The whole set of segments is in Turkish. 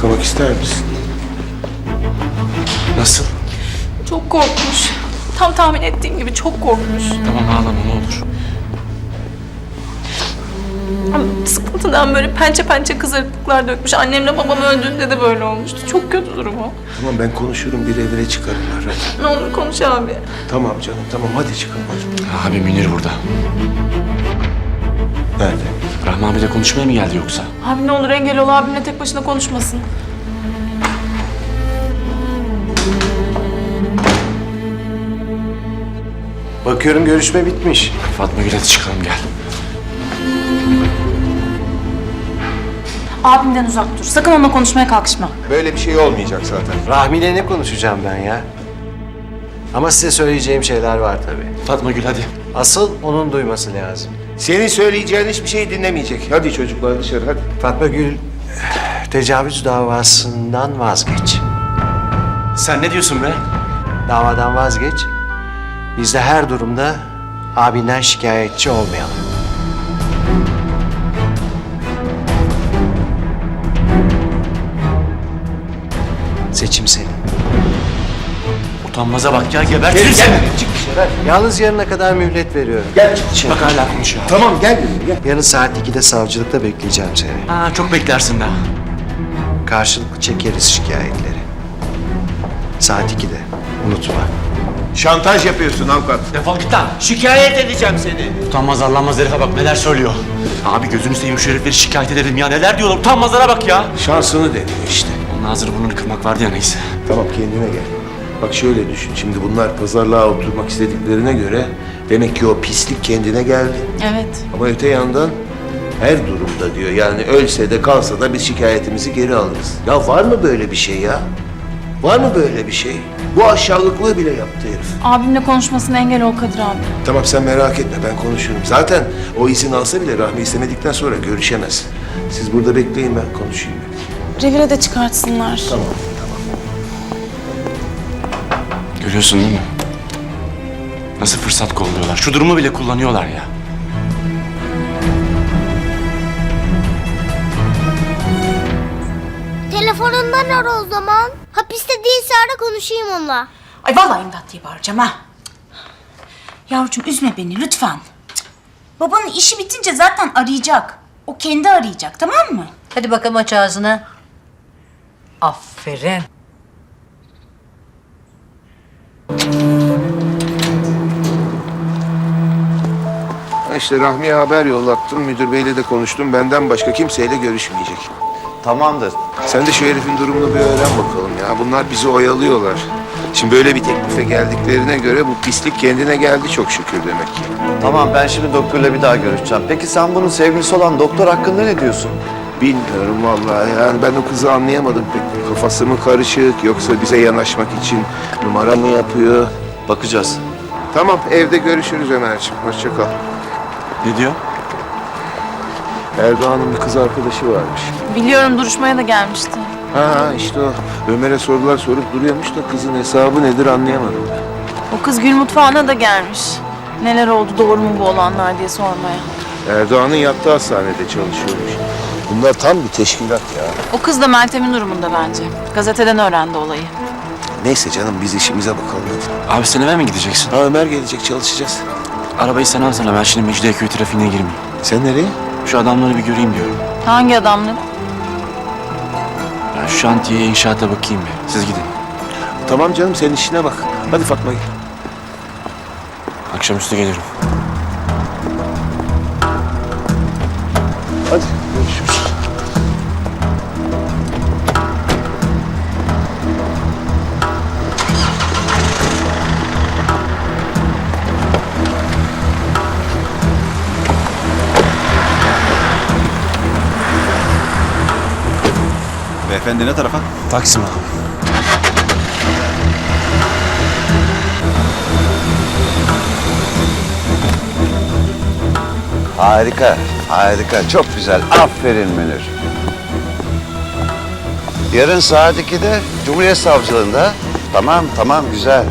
Yıkamak ister misin? Nasıl? Çok korkmuş. Tam tahmin ettiğim gibi çok korkmuş. Tamam ağlama ne olur. Ama sıkıntıdan böyle pençe pençe kızarıklıklar dökmüş. Annemle babam öldüğünde de böyle olmuştu. Çok kötü durumu. Tamam ben konuşurum, bir evine çıkarırlar. Hadi. Ne olur konuş abi. Tamam canım, tamam hadi çıkalım hadi. Abi Münir burada. Nerede? Rahmi abiyle konuşmaya mı geldi yoksa? Abi ne olur engel ol, abimle tek başına konuşmasın. Bakıyorum görüşme bitmiş. Fatma Gül hadi çıkalım gel. Abimden uzak dur. Sakın onunla konuşmaya kalkışma. Böyle bir şey olmayacak zaten. Rahmi'yle ne konuşacağım ben ya? Ama size söyleyeceğim şeyler var tabii. Fatma Gül hadi. Asıl onun duyması lazım. Senin söyleyeceğin hiçbir şey dinlemeyecek. Hadi çocuklar dışarı hadi. Fatma Gül, tecavüz davasından vazgeç. Sen ne diyorsun be? Davadan vazgeç. Biz de her durumda abinden şikayetçi olmayalım. Seçim senin. Utanmaza bak ya gebertirim seni. Çık dışarı hadi. Yalnız yarına kadar mühlet veriyorum. Gel çık dışarı. Bak hala konuşuyor. Tamam gel dedim gel. Yarın saat 2'de savcılıkta bekleyeceğim seni. Ha, çok beklersin daha. Karşılıklı çekeriz şikayetleri. Saat 2'de. Unutma. Şantaj yapıyorsun avukat. Defol git lan. Şikayet edeceğim seni. Utanmaz arlanmaz herife bak neler söylüyor. Abi gözünü seveyim şu herifleri şikayet edelim ya. Neler diyorlar utanmazlara bak ya. Şansını deniyor işte. Onun ağzını burnunu kırmak vardı ya neyse. Tamam kendine gel. Bak şöyle düşün. Şimdi bunlar pazarlığa oturmak istediklerine göre demek ki o pislik kendine geldi. Evet. Ama öte yandan her durumda diyor. Yani ölse de kalsa da biz şikayetimizi geri alırız. Ya var mı böyle bir şey ya? Var mı böyle bir şey? Bu aşağılıklığı bile yaptı herif. Abimle konuşmasına engel ol Kadir abi. Tamam sen merak etme ben konuşurum. Zaten o izin alsa bile Rahmi istemedikten sonra görüşemez. Siz burada bekleyin ben konuşayım. Revire de çıkartsınlar. Tamam. Görüyorsun değil mi? Nasıl fırsat kolluyorlar. Şu durumu bile kullanıyorlar ya. Telefonundan ara o zaman. Hapiste değilse ara konuşayım onunla. Ay vallahi imdat diye bağıracağım ha. Yavrucuğum üzme beni lütfen. Cık. Babanın işi bitince zaten arayacak. O kendi arayacak tamam mı? Hadi bakalım aç ağzını. Aferin. İşte Rahmi'ye haber yollattım. Müdür beyle de konuştum. Benden başka kimseyle görüşmeyecek. Tamamdır. Sen de şu herifin durumunu bir öğren bakalım ya. Bunlar bizi oyalıyorlar. Şimdi böyle bir teklife geldiklerine göre bu pislik kendine geldi çok şükür demek ki. Tamam ben şimdi doktorla bir daha görüşeceğim. Peki sen bunun sevgilisi olan doktor hakkında ne diyorsun? Bilmiyorum vallahi yani ben o kızı anlayamadım pek. Kafası mı karışık yoksa bize yanaşmak için numara mı yapıyor? Bakacağız. Tamam evde görüşürüz Ömerciğim. Hoşça kal. Ne diyor? Erdoğan'ın bir kız arkadaşı varmış. Biliyorum duruşmaya da gelmişti. Ha işte o. Ömer'e sorular sorup duruyormuş da kızın hesabı nedir anlayamadım ben. O kız Gül mutfağına da gelmiş. Neler oldu doğru mu bu olanlar diye sormaya. Erdoğan'ın yattığı hastanede çalışıyormuş. Bunlar tam bir teşkilat ya. O kız da Meltem'in durumunda bence. Gazeteden öğrendi olayı. Neyse canım biz işimize bakalım hadi. Abi sen eve mi gideceksin? Ha Ömer gelecek çalışacağız. Arabayı sen alsana ben şimdi Mecidiyeköy trafiğine girmeyeyim. Sen nereye? Şu adamları bir göreyim diyorum. Hangi adamları? Ya şu şantiyeye inşaata bakayım bir. Siz gidin. Tamam canım sen işine bak. Hadi Fatma gel. Akşamüstü gelirim. Hadi görüşürüz. Beyefendi ne tarafa? Taksim abi. Harika, harika. Çok güzel. Aferin Münir. Yarın saat 2'de Cumhuriyet Savcılığında. Tamam, tamam. Güzel.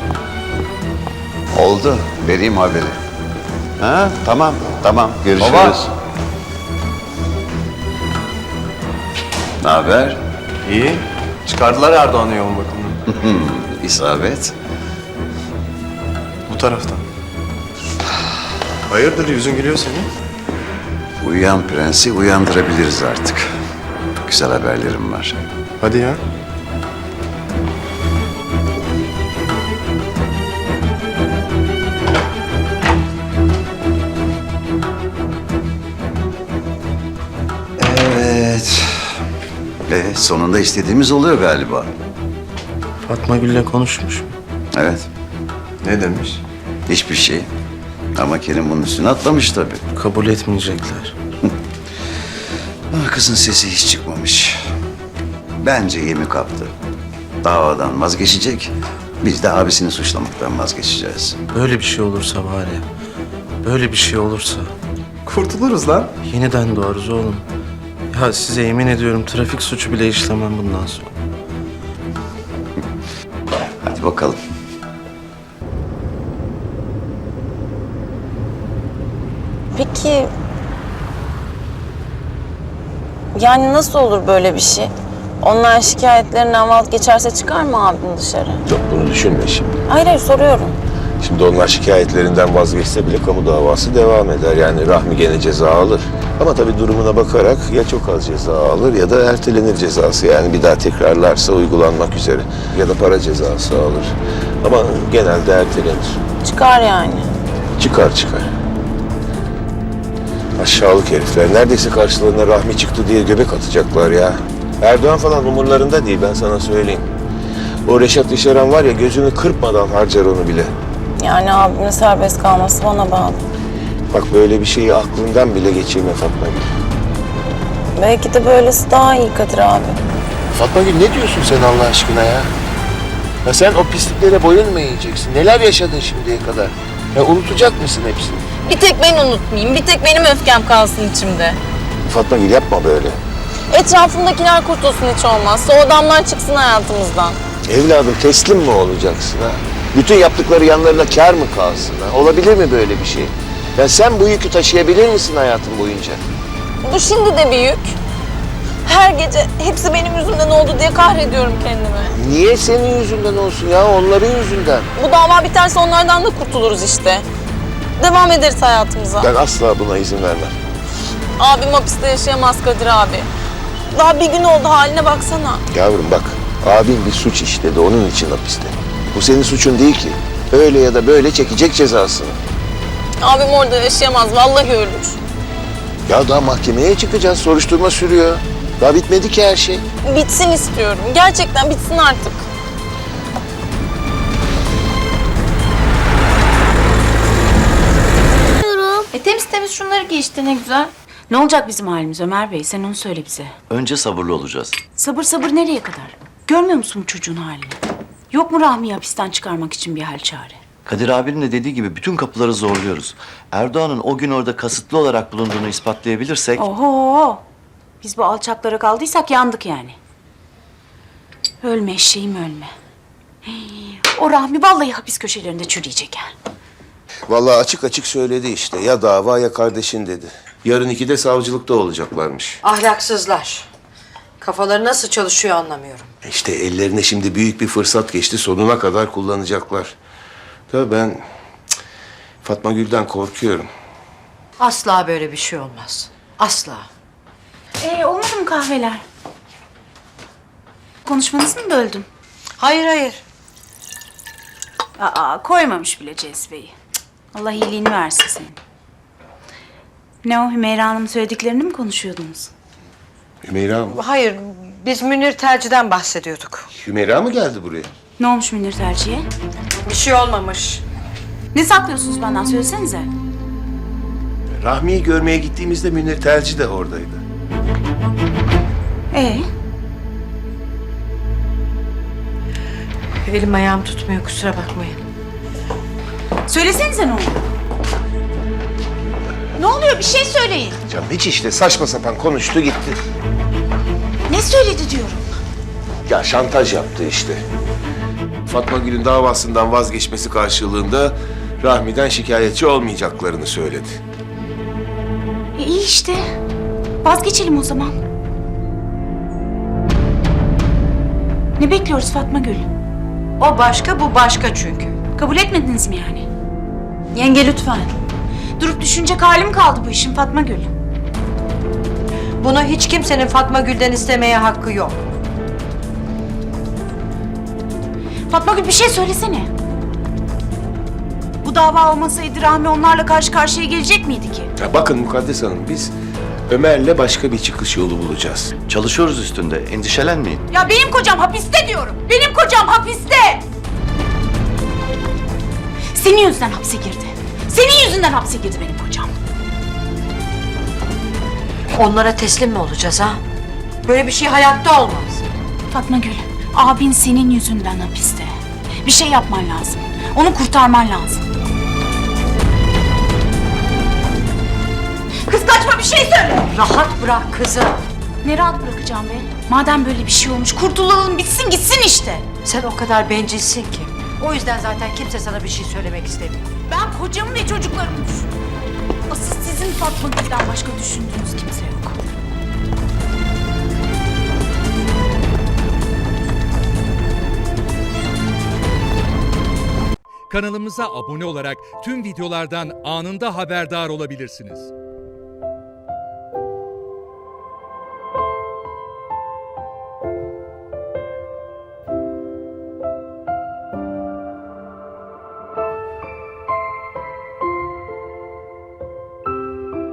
Oldu. Vereyim haberi. Ha? Tamam, tamam. Görüşürüz. Baba. Ne haber? İyi. Çıkardılar Erdoğan'ı yoğun bakımdan. İsabet. Bu taraftan. Hayırdır yüzün gülüyor senin? Uyuyan prensi uyandırabiliriz artık. Güzel haberlerim var. Hadi ya. Evet. Sonunda istediğimiz oluyor galiba. Fatma Gül'le konuşmuş. Evet. Ne demiş? Hiçbir şey. Ama Kerim bunun üstüne atlamış tabii. Kabul etmeyecekler. Ah, kızın sesi hiç çıkmamış. Bence yemi kaptı. Davadan vazgeçecek. Biz de abisini suçlamaktan vazgeçeceğiz. Böyle bir şey olursa var ya. Böyle bir şey olursa. Kurtuluruz lan. Yeniden doğarız oğlum. Ya size yemin ediyorum trafik suçu bile işlemem bundan sonra. Hadi bakalım. Peki... Yani nasıl olur böyle bir şey? Onlar şikayetlerinden vazgeçerse çıkar mı abim dışarı? Yok, bunu düşünme şimdi. Hayır hayır soruyorum. Şimdi onlar şikayetlerinden vazgeçse bile kamu davası devam eder. Yani Rahmi gene ceza alır. Ama tabii durumuna bakarak ya çok az ceza alır ya da ertelenir cezası. Yani bir daha tekrarlarsa uygulanmak üzere. Ya da para cezası alır. Ama genelde ertelenir. Çıkar yani. Çıkar. Aşağılık herifler. Neredeyse karşılarına Rahmi çıktı diye göbek atacaklar ya. Erdoğan falan umurlarında değil, ben sana söyleyeyim. O Reşat İşeren var ya, gözünü kırpmadan harcar onu bile. Yani abimin serbest kalması bana bağlı. Bak, böyle bir şeyi aklından bile geçirme Fatma Gül. Belki de böylesi daha iyi Kadir abi. Fatma Gül, ne diyorsun sen Allah aşkına ya? Ya sen o pisliklere boyun mu eğeceksin? Neler yaşadın şimdiye kadar? Ya unutacak mısın hepsini? Bir tek ben unutmayayım, bir tek benim öfkem kalsın içimde. Fatma Gül, yapma böyle. Etrafımdakiler kurtulsun hiç olmazsa, o adamlar çıksın hayatımızdan. Evladım, teslim mi olacaksın ha? Bütün yaptıkları yanlarına kâr mı kalsın ha? Olabilir mi böyle bir şey? Ya sen bu yükü taşıyabilir misin hayatın boyunca? Bu şimdi de bir yük. Her gece hepsi benim yüzümden oldu diye kahrediyorum kendimi. Niye senin yüzünden olsun ya? Onların yüzünden. Bu dava biterse onlardan da kurtuluruz işte. Devam ederiz hayatımıza. Ben asla buna izin vermem. Abim hapiste yaşayamaz Kadir abi. Daha bir gün oldu, haline baksana. Yavrum bak, abin bir suç işledi, onun için hapiste. Bu senin suçun değil ki. Öyle ya da böyle çekecek cezasını. Abim orada yaşayamaz, vallahi ölür. Ya daha mahkemeye çıkacağız, soruşturma sürüyor. Daha bitmedi ki her şey. Bitsin istiyorum. Gerçekten bitsin artık. Temiz temiz şunları giy işte ne güzel. Ne olacak bizim halimiz Ömer Bey? Sen onu söyle bize. Önce sabırlı olacağız. Sabır sabır nereye kadar? Görmüyor musun bu çocuğun halini? Yok mu Rahmi'yi hapisten çıkarmak için bir hal çare? Kadir abinin de dediği gibi bütün kapıları zorluyoruz. Erdoğan'ın o gün orada kasıtlı olarak bulunduğunu ispatlayabilirsek... Oho! Biz bu alçaklara kaldıysak yandık yani. Ölme eşeğim ölme. Hii, o Rahmi vallahi hapis köşelerinde çürüyecek ha. Vallahi açık açık söyledi işte. Ya dava ya kardeşin dedi. Yarın 2'de savcılıkta olacaklarmış. Ahlaksızlar. Kafaları nasıl çalışıyor anlamıyorum. İşte ellerine şimdi büyük bir fırsat geçti. Sonuna kadar kullanacaklar. Tabii ben Fatma Gül'den korkuyorum. Asla böyle bir şey olmaz. Asla. Olmadı mı kahveler? Konuşmanızı mı böldüm? Hayır. Aa, koymamış bile cezveyi. Allah iyiliğini versin senin. Ne o Hümeyra Hanım'ın söylediklerini mi konuşuyordunuz? Hümeyra mı? Hayır, biz Münir Terci'den bahsediyorduk. Hümeyra mı geldi buraya? Ne olmuş Münir Terci'ye? Bir şey olmamış. Ne saklıyorsunuz benden söylesenize. Rahmi'yi görmeye gittiğimizde Münir Telci de oradaydı. Elim ayağım tutmuyor, kusura bakmayın. Söylesenize ne oluyor? Ne oluyor? Bir şey söyleyin. Canım hiç işte saçma sapan konuştu gitti. Ne söyledi diyorum. Ya şantaj yaptı işte. Fatma Gül'ün davasından vazgeçmesi karşılığında Rahmi'den şikayetçi olmayacaklarını söyledi. İyi işte. Vazgeçelim o zaman. Ne bekliyoruz Fatma Gül? O başka, bu başka çünkü. Kabul etmediniz mi yani? Yenge lütfen. Durup düşünecek halim kaldı bu işin Fatma Gül. Bunu hiç kimsenin Fatma Gül'den istemeye hakkı yok. Fatma Gül bir şey söylesene. Bu dava olmasaydı Rahmi onlarla karşı karşıya gelecek miydi ki? Ya bakın Mukaddes Hanım, biz Ömer'le başka bir çıkış yolu bulacağız. Çalışıyoruz üstünde. Endişelenmeyin. Ya benim kocam hapiste diyorum. Benim kocam hapiste. Senin yüzünden hapse girdi. Senin yüzünden hapse girdi benim kocam. Onlara teslim mi olacağız ha? Böyle bir şey hayatta olmaz. Fatma Gül, abin senin yüzünden hapiste. Bir şey yapman lazım. Onu kurtarman lazım. Kız kaçma, bir şey söyle. Rahat bırak kızı. Ne rahat bırakacağım be? Madem böyle bir şey olmuş, kurtulalım, bitsin gitsin işte. Sen o kadar bencilsin ki. O yüzden zaten kimse sana bir şey söylemek istemiyor. Ben kocamı ve çocuklarımı düşünüyorum. Asıl sizin Fatma Gül'den başka düşündüğünüz kimse yok. Kanalımıza abone olarak tüm videolardan anında haberdar olabilirsiniz.